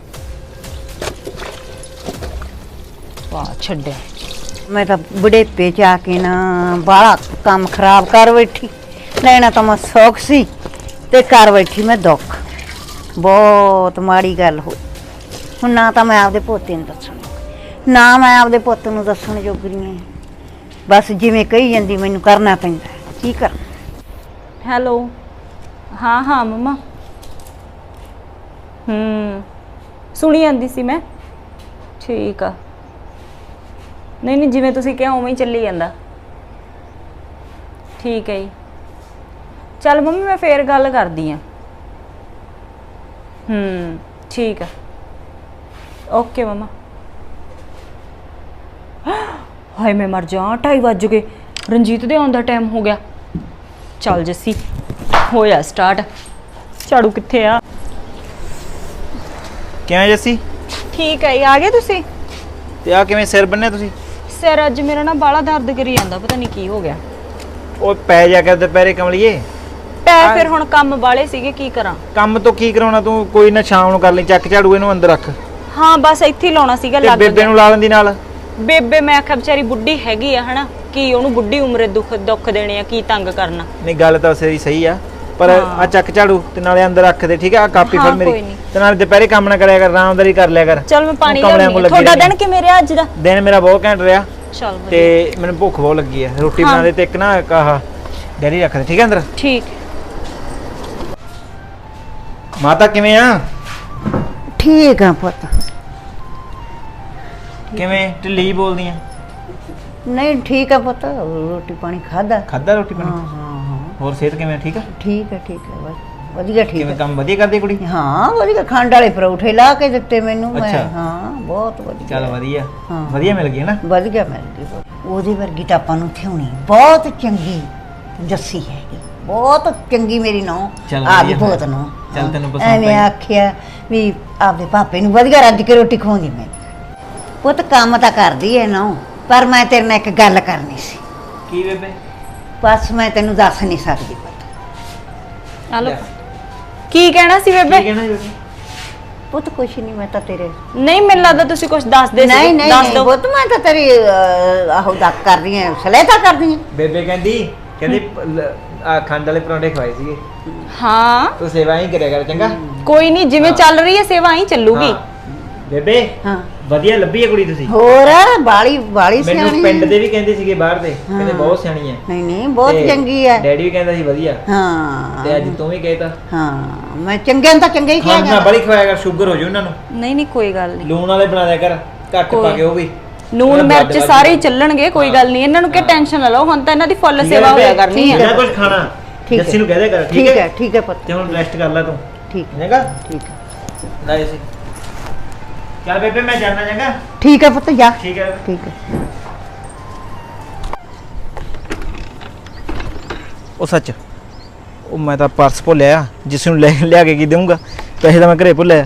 ਵਾਹ ਛੱਡਿਆ। ਮੈਂ ਤਾਂ ਬੁਢੇਪੇ ਚ ਆ ਕੇ ਨਾ ਬਾਹਲਾ ਕੰਮ ਖਰਾਬ ਕਰ ਬੈਠੀ। ਲੈਣਾ ਤਾਂ ਮੈਂ ਸੌਖ ਸੀ ਤੇ ਕਰ ਬੈਠੀ ਮੈਂ ਦੁੱਖ। ਬਹੁਤ ਮਾੜੀ ਗੱਲ ਹੋਈ। ਹੁਣ ਨਾ ਤਾਂ ਮੈਂ ਆਪਦੇ ਪੋਤੇ ਨੂੰ ਦੱਸਣ, ਨਾ ਮੈਂ ਆਪਦੇ ਪੁੱਤ ਨੂੰ ਦੱਸਣ ਜੋਗਰੀ ਹਾਂ। ਬਸ ਜਿਵੇਂ ਕਹੀ ਜਾਂਦੀ ਮੈਨੂੰ ਕਰਨਾ ਪੈਂਦਾ, ਕੀ ਕਰ। ਹੈਲੋ, ਹਾਂ ਹਾਂ ਮੰਮਾ। ਹੂੰ ਸੁਣੀ ਜਾਂਦੀ ਸੀ ਮੈਂ। ਠੀਕ ਆ। ਨਹੀਂ ਨਹੀਂ ਜਿਵੇਂ ਤੁਸੀਂ ਕਿਹਾ ਉਵੇਂ ਹੀ ਚੱਲੀ ਜਾਂਦਾ। ਠੀਕ ਹੈ ਜੀ। ਚੱਲ ਮੰਮੀ ਮੈਂ ਫੇਰ ਗੱਲ ਕਰਦੀ ਆ। ਹੂੰ ਠੀਕ ਆ। Okay mama. ਹਾਏ ਮੈਂ ਮਰ ਜਾ, ਢਾਈ ਵੱਜ ਗਏ। ਰਣਜੀਤ ਦੇ ਆਉਣ ਦਾ ਟਾਈਮ ਹੋ ਗਿਆ। ਚੱਲ ਜੱਸੀ ਹੋਇਆ ਸਟਾਰਟ। ਝਾੜੂ ਕਿੱਥੇ ਆ? ਕਿਵੇਂ ਜੱਸੀ? ਠੀਕ ਹੈ ਜੀ, ਆ ਗਏ ਤੁਸੀਂ? ਤੇ ਆ ਕਿਵੇਂ ਸਿਰ ਬੰਨਿਆ ਤੁਸੀਂ? ਸਿਰ ਅੱਜ ਮੇਰਾ ਨਾ ਬਾਲਾ ਦਰਦ ਕਰੀ ਜਾਂਦਾ, ਪਤਾ ਨਹੀਂ ਕੀ ਹੋ ਗਿਆ। ਉਹ ਪੈ ਜਾ ਕੇ ਦੁਪਹਿਰੇ ਕਮਲੀਏ। ਪੈ ਫਿਰ ਹੁਣ ਕੰਮ ਵਾਲੇ ਸੀਗੇ, ਕੀ ਕਰਾਂ। ਕੰਮ ਤੋਂ ਕੀ ਕਰਾਉਣਾ ਤੂੰ? ਕੋਈ ਨਾ ਸ਼ਾਮ ਨੂੰ ਕਰ ਲਈ, ਚੱਕ ਝਾੜੂ ਇਹਨੂੰ ਅੰਦਰ ਰੱਖ। ਹਾਂ ਬਸ ਇੱਥੇ ਹੀ ਲਾਉਣਾ ਸੀਗਾ, ਤੇ ਲੱਗ ਬੇਬੇ ਗਿਆ। ਨੂੰ ਲਾ ਲੈਂਦੀ ਨਾਲ। ਬੇਬੇ ਮੈਂ ਆਖਿਆ ਵਿਚਾਰੀ ਬੁੱਢੀ ਹੈਗੀ ਆ ਹਨਾ, ਕੀ ਉਹਨੂੰ ਬੁੱਢੀ ਉਮਰੇ ਦੁੱਖ ਦੁੱਖ ਦੇਣੇ ਆ, ਕੀ ਤੰਗ ਕਰਨਾ। ਨਹੀਂ ਗੱਲ ਤਾਂ ਸਹੀ ਸਹੀ ਆ, ਪਰ ਆ ਚੱਕ ਝਾੜੂ ਤੇ ਨਾਲੇ ਅੰਦਰ ਰੱਖ ਦੇ, ਠੀਕ ਆ? ਆ ਕਾਪੀ ਹਾਂ, ਫੜ ਕੋਈ ਮੇਰੀ। ਨੀ। ਤੇ ਨਾਲੇ ਦੁਪਹਿਰੇ ਕੰਮ ਨਾ ਕਰਿਆ ਕਰ, ਆਰਾਮਦਾਰੀ ਕਰ ਲਿਆ ਕਰ। ਚਲ ਮੈਂ ਪਾਣੀ ਕਮਲਿਆਂ ਲਿਆਉਣੀ ਕੋਲ ਆ। ਲੱਗੀ ਤੁਹਾਡਾ ਰਹਿੰਦੀ। ਦਿਨ ਕਿਵੇਂ ਰਿਹਾ ਅੱਜ ਦਾ? ਦਿਨ ਮੇਰਾ ਬਹੁਤ ਘੈਂਟ ਰਿਹਾ ਚਲ ਤੇ ਮੈਨੂੰ ਭੁੱਖ ਬਹੁਤ ਲੱਗੀ ਆ। ਰੋਟੀ ਹਾਂ। ਬਣਾ ਦੇ ਤੇ ਇੱਕ ਨਾ ਆਹ ਡੈਰੀ ਰੱਖ ਦੇ, ਠੀਕ ਆ ਅੰਦਰ? ਠੀਕ। ਮਾਤਾ ਕਿਵੇਂ ਆ? ਠੀਕ ਆ ਪੁੱਤ। ਕਿਵੇਂ ਢਿੱਲੀ ਬੋਲਦੀ ਆ? ਨਹੀਂ ਠੀਕ ਆ ਪੁੱਤ, ਰੋਟੀ ਪਾਣੀ ਖਾਦਾ। ਖਾਦਾ ਰੋਟੀ ਹਾਂ ਪਾਣੀ? ਹਾਂ ਹਾਂ ਹੋਰ ਸਿਹਤ ਕਿਵੇਂ ਆ? ਠੀਕ ਆ? ਠੀਕ ਹੈ ਠੀਕ ਹੈ, ਬਸ ਵਧੀਆ ਠੀਕ ਕਿਵੇਂ ਹੈ। ਕੰਮ ਵਧੀਆ ਕਰਦੀ ਕੁੜੀ? ਹਾਂ ਵਧੀਆ, ਖੰਡ ਵਾਲੇ ਪਰੌਠੇ ਲਾ ਕੇ ਦਿੱਤੇ ਮੈਨੂੰ ਮੈਂ। ਅੱਛਾ। ਹਾਂ ਬਹੁਤ ਵਧੀਆ। ਚੱਲ ਵਧੀਆ, ਹਾਂ। ਵਧੀਆ ਮਿਲ ਗਈ ਨਾ। ਵਧੀਆ ਮਿਲ ਗਈ ਬਹੁਤ। ਉਹਦੇ ਵਰਗੀ ਤਾਂ ਆਪਾਂ ਨੂੰ ਥਿਉਣੀ ਬਹੁਤ ਚੰਗੀ ਜੱਸੀ ਹੈਗੀ, ਬਹੁਤ ਚੰਗੀ ਮੇਰੀ ਨੌਂ। ਚੱਲ ਆਪਦੀ ਵਧੀਆ ਬਹੁਤ ਫਿਰ। ਨੌਂ। ਚੱਲ ਤੈਨੂੰ ਪਸੰਦ ਐਵੇਂ ਆਈ। ਆਖਿਆ ਵੀ ਆਪਦੇ ਪਾਪੇ ਨੂੰ ਵਧੀਆ ਰੱਜ ਕੇ ਰੋਟੀ ਖਵਾਉਂਦੀ ਮੈਂ। ਪੁੱਤ ਕੰਮ ਤਾਂ ਕਰਦੀ ਐ ਨੌਂ, ਪਰ ਮੈਂ ਤੇਰੇ ਨਾਲ ਇੱਕ ਗੱਲ ਕਰਨੀ ਸੀ। ਕੀ ਬੇਬੇ? ਬਸ ਮੈਂ ਤੈਨੂੰ ਦੱਸ ਨਹੀਂ ਸਕਦੀ ਪੁੱਤ। ਹਲੋ ਕੀ ਕਹਿਣਾ ਸੀ ਕੀ ਬੇਬੇ? ਕਹਿਣਾ ਬੇਬੇ? ਪੁੱਤ ਕੁਛ ਨਹੀਂ, ਮੈਂ ਤਾਂ ਤੇਰੇ ਨਹੀਂ ਮੈਨੂੰ ਲੱਗਦਾ ਤੁਸੀਂ ਕੁਝ ਦੱਸਦੇ ਸੀ। ਨਹੀਂ ਨਹੀਂ ਦੱਸ ਨਹੀਂ ਦਿਓ। ਪੁੱਤ, ਮੈਂ ਤਾਂ ਤੇਰੀ ਅਹ, ਆਹੋ ਦੱਸ ਕਰਦੀ ਐ, ਸਲੇਤਾ ਕਰਦੀ ਐ। ਬੇਬੇ ਕਹਿੰਦੀ ਕਹਿੰਦੀ ਆ ਖੰਡ ਵਾਲੇ ਪਰੌਂਠੇ ਖਵਾਏ ਸੀਗੇ। ਹਾਂ ਤੂੰ ਸੇਵਾ ਹੀ ਕਰਿਆ ਕਰ, ਚੰਗਾ? ਕੋਈ ਨਹੀਂ, ਜਿਵੇਂ ਹਾਂ। ਚੱਲ ਰਹੀ ਹੈ ਸੇਵਾ ਹੀ ਚੱਲੂਗੀ। ਹਾਂ। ਬੇਬੇ ਹਾਂ ਵਧੀਆ ਲੱਭੀ ਹੈ ਕੁੜੀ ਤੁਸੀਂ। ਹੋਰ ਬਾਲੀ ਬਾਲੀ ਮੈਨੂੰ ਸਿਆਣੀ ਪਿੰਡ ਐ। ਦੇ ਵੀ ਕਹਿੰਦੇ ਸੀਗੇ ਬਾਹਰ ਦੇ, ਕਹਿੰਦੇ ਹਾਂ। ਬਹੁਤ ਸਿਆਣੀ ਹੈ। ਨਹੀਂ ਨਹੀਂ ਬਹੁਤ ਤੇ ਚੰਗੀ ਐ। ਡੈਡੀ ਵੀ ਕਹਿੰਦਾ ਸੀ ਵਧੀਆ। ਹਾਂ ਤੇ ਅੱਜ ਤੂੰ ਵੀ ਕਹਿਤਾ। ਹਾਂ ਮੈਂ ਚੰਗੇ ਨੂੰ ਤਾਂ ਚੰਗੇ ਹੀ ਕਿਹਾ ਖੰਡ ਨਾ ਜਾਂਦਾ। ਬੜੀ ਖਵਾਇਆ ਕਰ, ਸ਼ੂਗਰ ਹੋ ਜੂ ਉਹਨਾਂ ਨੂੰ। ਨਹੀਂ ਨਹੀਂ ਕੋਈ ਗੱਲ ਨਹੀਂ। ਲੂਣ ਵਾਲੇ ਬਣਾ ਦਿਆ ਕਰ, ਘੱਟ ਕੋਈ- ਪਾ ਕੇ ਉਹ ਵੀ। ਨੂਨ ਉਹਨਾਂ ਦਾ ਮਿਰਚ ਵੱਧ ਸਾਰੇ ਹੀ ਵੱਧ। ਚੱਲਣਗੇ, ਕੋਈ ਗੱਲ ਨਹੀਂ। ਇਹਨਾਂ ਨੂੰ ਕਿ ਹਾਂ। ਟੈਨਸ਼ਨ ਨਾ ਲਓ, ਹੁਣ ਤਾਂ ਇਹਨਾਂ ਦੀ ਫੁੱਲ ਠੀਕ ਹੈ ਸੇਵਾ ਬੇਬੇ, ਹੋਇਆ ਕਰਨੀ ਠੀਕ ਹੈ। ਜਿੰਨਾ ਕੁਝ ਖਾਣਾ ਠੀਕ ਹੈ। ਜੱਸੀ ਨੂੰ ਕਹਿ ਦਿਆ ਕਰ, ਠੀਕ ਹੈ ਠੀਕ ਹੈ ਪੁੱਤ, ਤੇ ਹੁਣ ਰੈਸਟ ਕਰ ਲੈ ਤੂੰ, ਠੀਕ ਚੰਗਾ? ਠੀਕ ਹੈ ਲੈ ਜੱਸੀ। ਚੱਲ ਬੇਬੇ ਮੈਂ ਜਾਣਾ, ਚੰਗਾ? ਠੀਕ ਹੈ ਪੁੱਤ, ਜਾ ਠੀਕ ਹੈ। ਠੀਕ ਹੈ। ਉਹ ਸੱਚ, ਉਹ ਮੈਂ ਤਾਂ ਪਰਸ ਭੁੱਲਿਆ, ਜਿਸ ਨੂੰ ਲੈ ਲਿਆ ਕੇ ਕੀ ਦੇਵਾਂਗਾ? ਪੈਸੇ ਤਾਂ ਮੈਂ ਘਰੇ ਭੁੱਲਿਆ।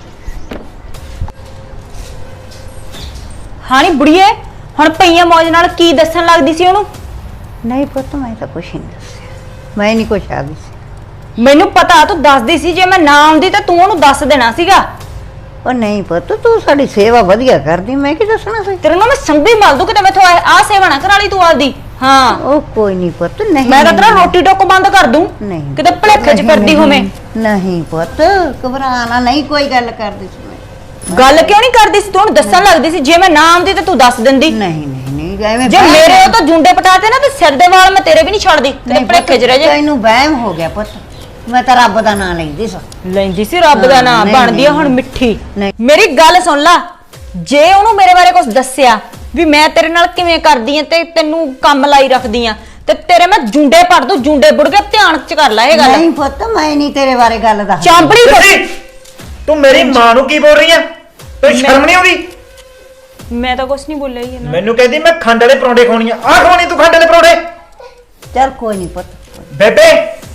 ਹਾਂ ਨੀ ਬੁੜੀਏ, ਹੁਣ ਪਈਆਂ ਮੌਜ ਨਾਲ ਕੀ ਦੱਸਣ ਲੱਗਦੀ ਸੀ ਉਹਨੂੰ? ਨਹੀਂ ਪੁੱਤ ਮੈਂ ਤਾਂ ਕੁਛ ਨਹੀਂ ਦੱਸਿਆ, ਮੈਂ ਨਹੀਂ ਕੁਛ ਆਦੀ ਸੀ। ਮੈਨੂੰ ਪਤਾ ਤੂੰ ਦੱਸਦੀ ਸੀ, ਜੇ ਮੈਂ ਨਾ ਆਉਂਦੀ ਤਾਂ ਤੂੰ ਉਹਨੂੰ ਦੱਸ ਦੇਣਾ ਸੀਗਾ। ਉਹ ਨਹੀਂ ਪੁੱਤ, ਤੂੰ ਸਾਡੀ ਸੇਵਾ ਵਧੀਆ ਕਰਦੀ, ਮੈਂ ਕੀ ਦੱਸਣਾ ਸੀ। ਤੇਰੇ ਨਾਲ ਮੈਂ ਸੰਭੀ ਮਲ ਦੂ ਕਿਤੇ ਮੈਥੋਂ ਆ ਸੇਵਾ ਨਾ ਕਰਾ ਲਈ ਤੂੰ ਆਪਦੀ। ਹਾਂ ਉਹ ਕੋਈ ਨਹੀਂ ਪੁੱਤ, ਨਹੀਂ ਮੈਂ ਤਾਂ ਤੇਰਾ ਨਹੀਂ, ਰੋਟੀ ਟੋਕ ਬੰਦ ਕਰ ਦੂੰ, ਨਹੀਂ ਕਿਤੇ ਭਲੇਖੇ ਚ ਨਹੀਂ, ਫਿਰਦੀ ਹੋਵੇਂ। ਨਹੀਂ ਪੁੱਤ ਘਬਰਾਣਾ ਨਹੀਂ, ਕੋਈ ਗੱਲ ਕਰਦੀ ਸੀ ਮੈਂ। ਗੱਲ ਕਿਉਂ ਨਹੀਂ ਕਰਦੀ ਸੀ ਤੂੰ? ਹੁਣ ਦੱਸਣ ਲੱਗਦੀ ਸੀ, ਜੇ ਮੈਂ ਨਾ ਆਉਂਦੀ ਤਾਂ ਤੂੰ ਦੱਸ ਦਿੰਦੀ। ਨਹੀਂ ਨਹੀਂ ਨਹੀਂ ਐਵੇਂ ਜੇ ਵਹਿਮ- ਮੇਰੇ ਉਹ ਤਾਂ ਜੁੰਡੇ ਪਟਾਤੇ ਨਾ ਤੇ ਸਿਰ ਦੇ ਵਾਲ ਮੈਂ ਤੇਰੇ ਵੀ ਨਹੀਂ ਛੱਡਦੀ, ਕਿਤੇ ਨਹੀਂ ਭਲੇਖੇ ਚ ਰਹਿ ਜਾ। ਤੈਨੂੰ ਵਹਿਮ ਹੋ ਗਿਆ ਪੁੱਤ, ਮੈਂ ਤਾਂ ਰੱਬ ਦਾ ਨਾਂ ਲੈਂਦੀ ਸਾਂ। ਲੈਂਦੀ ਸੀ ਰੱਬ ਦਾ ਹਾਂ, ਨਾਮ, ਨਹੀਂ, ਬਣਦੀ ਆ ਨਹੀਂ, ਹੁਣ ਮਿੱਠੀ। ਨਹੀਂ। ਮੇਰੀ ਗੱਲ ਸੁਣ ਲਾ, ਜੇ ਉਹਨੂੰ ਮੇਰੇ ਬਾਰੇ ਕੁਝ ਦੱਸਿਆ ਵੀ ਮੈਂ ਤੇਰੇ ਨਾਲ ਕਿਵੇਂ ਕਰਦੀ ਆ ਤੇ ਤੈਨੂੰ ਕੰਮ ਲਾਈ ਰੱਖਦੀ ਆ, ਤੇ ਤੇਰੇ ਮੈਂ ਜੁੰਡੇ ਪੜ ਦੂੰ, ਜੁੰਡੇ ਬੁੜ ਕੇ ਧਿਆਨ ਚ ਕਰ ਲੈ ਇਹ ਗੱਲ। ਨਹੀਂ ਪੁੱਤ, ਮੈਂ ਨਹੀਂ ਤੇਰੇ ਬਾਰੇ ਗੱਲ ਦੱਸ। ਚਾਂਬੜੀ ਜੱਸੀ, ਤੂੰ ਮੇਰੀ ਮਾਂ ਨੂੰ ਕੀ ਬੋਲ ਰਹੀ ਆ? ਤੈਨੂੰ ਸ਼ਰਮ ਨਹੀਂ ਆਉਂਦੀ? ਮੈਂ ਤਾਂ ਕੁਝ ਨਹੀਂ ਬੋਲਿਆ ਹੀ ਇਹਨਾਂ। ਮੈਨੂੰ ਕਹਿੰਦੀ ਮੈਂ ਖੰਡ ਵਾਲੇ ਪਰੌਂਠੇ ਖਾਣੀ ਆ। ਆ ਖਵਾਉਣੀ ਤੂੰ ਖੰਡ ਵਾਲੇ ਪਰੌਂਠੇ? ਚੱਲ ਕੋਈ ਨਹੀਂ ਪੁੱਤ। ਬੇਬੇ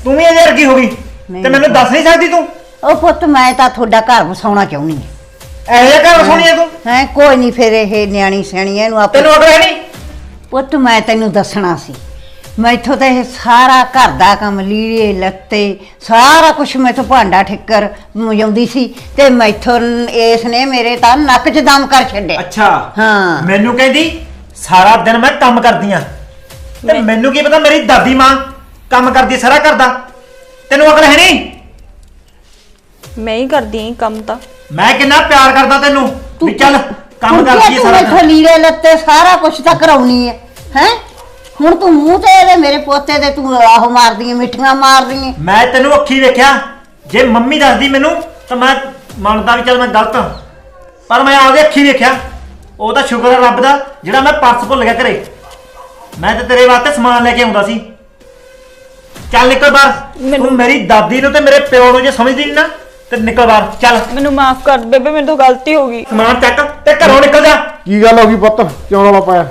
ਤੂੰ ਵੀ ਇਹਦੇ ਵਰਗੀ ਹੋ ਗਈ ਨਹੀਂ। ਤੇ ਮੈਨੂੰ ਦੱਸ ਨਹੀਂ ਸਕਦੀ ਤੂੰ ਉਹ ਪੁੱਤ ਮੈਂ ਤਾਂ ਤੁਹਾਡਾ ਘਰ ਵਸਾਉਣਾ ਚਾਹੁੰਦੀ ਹਾਂ। ਇਹੋ ਜਿਹਾ ਘਰ ਵਸਾਉਣੀ ਹੈ ਤੂੰ ਹੈ ਕੋਈ ਨਹੀਂ ਫਿਰ ਇਹ ਨਿਆਣੀ ਸਿਆਣੀ ਇਹਨੂੰ ਆਪੇ ਤੈਨੂੰ ਅਕਲ ਹੈ ਨਹੀਂ ਪੁੱਤ ਮੈਂ ਤੈਨੂੰ ਦੱਸਣਾ ਸੀ ਮੈਥੋਂ ਤਾਂ ਇਹ ਸਾਰਾ ਘਰ ਦਾ ਕੰਮ ਲੀੜੇ ਲੱਤੇ ਸਾਰਾ ਕੁਝ ਮੈਥੋਂ ਭਾਂਡਾ ਠਿੱਕਰ ਮਜਾਉਂਦੀ ਸੀ ਤੇ ਮੈਥੋਂ ਇਸ ਨੇ ਮੇਰੇ ਤਾਂ ਨੱਕ 'ਚ ਦਮ ਕਰ ਛੱਡਿਆ। ਅੱਛਾ ਹਾਂ। ਮੈਨੂੰ ਕਹਿੰਦੀ ਸਾਰਾ ਦਿਨ ਮੈਂ ਕੰਮ ਕਰਦੀ ਆ ਤੇ ਮੈਨੂੰ ਕੀ ਪਤਾ ਮੇਰੀ ਦਾਦੀ ਮਾਂ ਕੰਮ ਕਰਦੀ ਸਾਰਾ ਘਰ ਦਾ। ਤੈਨੂੰ ਅਕਲ ਹੈ ਨਹੀਂ? ਮੈਂ ਹੀ ਕਰਦੀ ਆਂ ਕੰਮ ਤਾਂ। ਮੈਂ ਕਿੰਨਾ ਪਿਆਰ ਕਰਦਾ ਤੈਨੂੰ ਵੀ ਚੱਲ ਕੰਮ ਤੂੰ ਕਰਦੀ ਤੂੰ ਸਾਰਾ ਮੈਥੋਂ ਦਿਨ। ਲੀੜੇ ਲੱਤੇ ਸਾਰਾ ਕੁਝ ਤਾਂ ਕਰਾਉਣੀ ਹੈ ਹੈ ਹੁਣ ਤੂੰ ਮੂੰਹ ਤੇ ਇਹਦੇ ਮੇਰੇ ਪੋਤੇ ਦੇ ਤੂੰ ਆਹੋ ਮਾਰਦੀ ਹੈ ਮਿੱਠੀਆਂ ਮਾਰਦੀ ਹੈ। ਮੈਂ ਤੈਨੂੰ ਅੱਖੀ ਵੇਖਿਆ ਜੇ ਮੰਮੀ ਦੱਸਦੀ ਮੈਨੂੰ ਤਾਂ ਮੈਂ ਮੰਨਦਾ ਵੀ ਚੱਲ ਮੈਂ ਗਲਤ ਹਾਂ ਪਰ ਮੈਂ ਆਪਦੇ ਅੱਖੀ ਵੇਖਿਆ। ਉਹ ਤਾਂ ਸ਼ੁਕਰ ਹੈ ਰੱਬ ਦਾ ਜਿਹੜਾ ਮੈਂ ਪਰਸ ਭੁੱਲ ਗਿਆ ਘਰੇ। ਮੈਂ ਤੇ ਤੇਰੇ ਵਾਸਤੇ ਸਮਾਨ ਲੈ ਕੇ ਆਉਂਦਾ ਸੀ। ਚੱਲ ਨਿਕਲ ਬਾਹਰ। ਮੈਨੂੰ- ਤੂੰ ਮੇਰੀ ਦਾਦੀ ਨੂੰ ਤੇ ਮੇਰੇ ਪਿਓ ਨੂੰ ਜੇ ਸਮਝਦੀ ਨਹੀਂ ਨਾ ਤੇ ਨਿਕਲ ਬਾਹਰ ਚੱਲ। ਮੈਨੂੰ ਮਾਫ ਕਰ ਦੇ ਬੇਬੇ, ਮੇਰੇ ਤੋਂ ਗਲਤੀ ਹੋ ਗਈ। ਸਮਾਨ ਚੱਕ ਤੇ ਘਰੋਂ ਨਿਕਲ ਜਾ। ਕੀ ਗੱਲ ਹੋ ਗਈ ਪੁੱਤ, ਕਿਉਂ ਰੌਲਾ ਪਾਇਆ?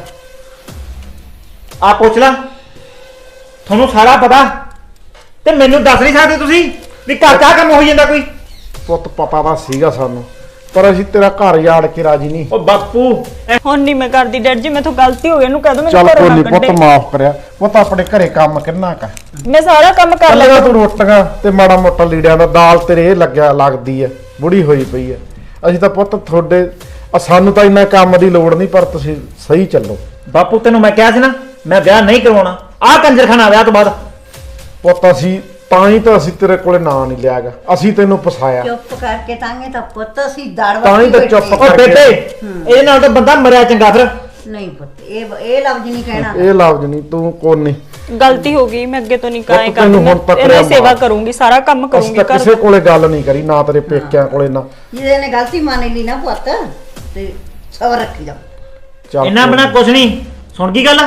ਆ ਪੁੱਛ ਲਾ ਤੁਹਾਨੂੰ ਸਾਰਾ ਪਤਾ ਤੇ ਮੈਨੂੰ ਦੱਸ ਨਹੀਂ ਸਕਦੇ ਤੁਸੀਂ ਵੀ ਘਰ ਕਾ ਕੰਮ ਹੋਈ ਜਾਂਦਾ ਕੋਈ। ਪੁੱਤ ਪਤਾ ਤਾਂ ਸੀਗਾ ਸਾਨੂੰ, ਪਰ ਅਸੀਂ ਤੇਰਾ ਘਰ ਯਾੜ ਕੇ ਰਾਜੀ ਨਹੀਂ। ਉਹ ਬਾਪੂ ਇਹ ਹੁਣ ਨਹੀਂ ਮੈਂ ਕਰਦੀ ਡੈਡ ਜੀ, ਮੈਥੋਂ ਗਲਤੀ ਹੋ ਗਈ। ਇਹਨੂੰ ਕਹਿ ਦੋ ਮੈਨੂੰ ਚੱਲ ਘਰੋਂ ਕੋਈ ਨਾ ਨਹੀਂ ਪੁੱਤ, ਕੱਢੇ। ਮਾਫ ਕਰਿਆ ਪੁੱਤ। ਆਪਣੇ ਘਰੇ ਕੰਮ ਕਿੰਨਾ ਕਾ ਮੈਂ ਸਾਰਾ ਕੰਮ ਕਰ ਕੱਲ੍ਹ ਲਿਆ। ਤੂੰ ਰੋਟੀਆਂ ਤੇ ਮਾੜਾ ਮੋਟਾ ਲੀੜਿਆਂ ਦਾ ਦਾਲ ਤੇਰੇ ਇਹ ਲੱਗਿਆ ਲੱਗਦੀ ਐ, ਬੁੜੀ ਹੋਈ ਪਈ ਐ। ਅਸੀਂ ਤਾਂ ਪੁੱਤ ਤੁਹਾਡੇ ਆ ਸਾਨੂੰ ਤਾਂ ਇੰਨਾ ਕੰਮ ਦੀ ਲੋੜ ਨਹੀਂ, ਪਰ ਤੁਸੀਂ ਸਹੀ ਚੱਲੋ। ਬਾਪੂ ਤੈਨੂੰ ਮੈਂ ਕਿਹਾ ਸੀ ਨਾ ਮੈਂ ਵਿਆਹ ਨਹੀਂ ਕਰਵਾਉਣਾ। ਆਹ ਕੰਜਰਖਾਨਾ ਵਿਆਹ ਤੋਂ ਬਾਅਦ। ਪੁੱਤ ਅਸੀਂ ਤਾਂ ਹੀ ਤਾਂ ਅਸੀਂ ਤੇਰੇ ਕੋਲੇ ਨਾਂ ਨਹੀਂ ਲਿਆਗਾ, ਅਸੀਂ ਤੈਨੂੰ ਫਸਾਇਆ। ਚੁੱਪ ਕਰਕੇ ਤਾਂਗੇ ਤਾਂ ਪੁੱਤ ਅਸੀਂ ਦੜ ਤਾਂ ਹੀ ਤਾਂ ਵੱਟੀ ਚੁੱਪ ਬੈਠੇ। ਉਹ ਬੇਟੇ ਇਹਦੇ ਨਾਲ ਤਾਂ ਬੰਦਾ ਮਰਿਆ ਚੰਗਾ ਫਿਰ। ਨਹੀਂ ਪੁੱਤ ਇਹ ਇਹ ਲਫ਼ਜ਼ ਨਹੀਂ ਕਹਿਣਾ। ਇਹ ਲਫ਼ਜ਼ ਨਹੀਂ, ਤੂੰ ਕੋਈ ਨਹੀਂ। ਗਲਤੀ ਹੋ ਗਈ, ਮੈਂ ਅੱਗੇ ਤੋਂ ਨਹੀਂ ਪੁੱਤ ਕਾਇ ਤੈਨੂੰ ਕਰੂੰਗੀ। ਹੁਣ ਤੱਕ ਇਹਦੀ ਰਿਹਾ ਸੇਵਾ ਮਾਫ਼। ਕਰੂੰਗੀ, ਸਾਰਾ ਕੰਮ ਅਸੀਂ ਕਰੂੰਗੀ ਤਾਂ ਘਰ ਕਿਸੇ ਕੋਲੇ ਗੱਲ ਨਹੀਂ ਕਰੀ, ਨਾ ਤੇਰੇ ਪੇਕਿਆਂ ਕੋਲੇ ਨਾ। ਜਿਹਦੇ ਨੇ ਗਲਤੀ ਮੰਨ ਲਈ ਨਾ ਪੁੱਤ ਤੇ ਸਬਰ ਰੱਖੀ ਜਾ। ਚੱਲ ਇਹਨਾਂ ਕੋਈ ਬਿਨਾ ਕੁਝ ਨਹੀਂ। ਸੁਣ ਗਈ ਗੱਲ?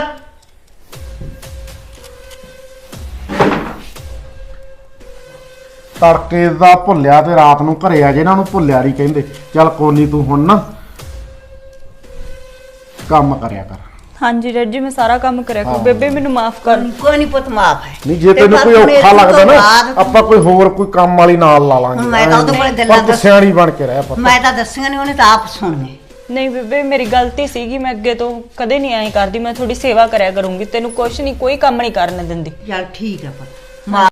ਤੜਕੇ ਦਾ ਭੁੱਲਿਆ ਤੇ ਰਾਤ ਨੂੰ ਘਰੇ ਆ ਜੇ ਇਹਨਾਂ ਨੂੰ ਭੁੱਲਿਆ ਨਹੀਂ ਕਹਿੰਦੇ। ਚੱਲ ਕੋਨੀ ਤੂੰ ਹੁਣ ਨਾ ਕੰਮ ਕਰਿਆ ਕਰ। ਹਾਂਜੀ ਡੈਡ ਜੀ, ਮੈਂ ਸਾਰਾ ਕੰਮ ਕਰਿਆ ਕਰੂੰ। ਬੇਬੇ ਮੈਨੂੰ ਮਾਫ ਕਰ। ਕੋਈ ਨਹੀਂ ਪੁੱਤ ਮਾਫ ਹੈ। ਨਹੀਂ ਜੇ ਤੇ ਤੈਨੂੰ ਪਰ ਕੋਈ ਹੁਣ ਔਖਾ ਇਸ ਤੋਂ ਲੱਗਦਾ ਨਾ ਬਾਅਦ ਆਪਾਂ ਕੋਈ ਹੋਰ ਕੋਈ ਕੰਮ ਵਾਲੀ ਨਾਲ ਲਾ ਲਾਂਗੇ। ਮੈਂ ਤਾਂ ਉਹਦੇ ਕੋਲੇ ਗੱਲਾਂ ਪਰ ਤੂੰ ਦੱਸ- ਸਿਆਣੀ ਬਣ ਕੇ ਰਹਿ ਪੁੱਤ। ਮੈਂ ਤਾਂ ਦੱਸੀਆਂ ਨਹੀਂ, ਉਹਨੇ ਤਾਂ ਆਪ ਸੁਣਨੇ। ਨਹੀਂ ਬੇਬੇ, ਮੇਰੀ ਗਲਤੀ ਸੀਗੀ। ਮੈਂ ਅੱਗੇ ਤੋਂ ਕਦੇ ਨਹੀਂ ਐਂ ਕਰਦੀ। ਮੈਂ ਥੋੜੀ ਸੇਵਾ ਕਰਿਆ ਕਰੂੰਗੀ। ਤੈਨੂੰ ਕੁਛ ਨਹੀਂ, ਕੋਈ ਕੰਮ ਨਹੀਂ ਕਰਨ ਦਿੰਦੀ। ਚੱਲ ਠੀਕ ਹੈ ਪੁੱਤ ਮਾਫ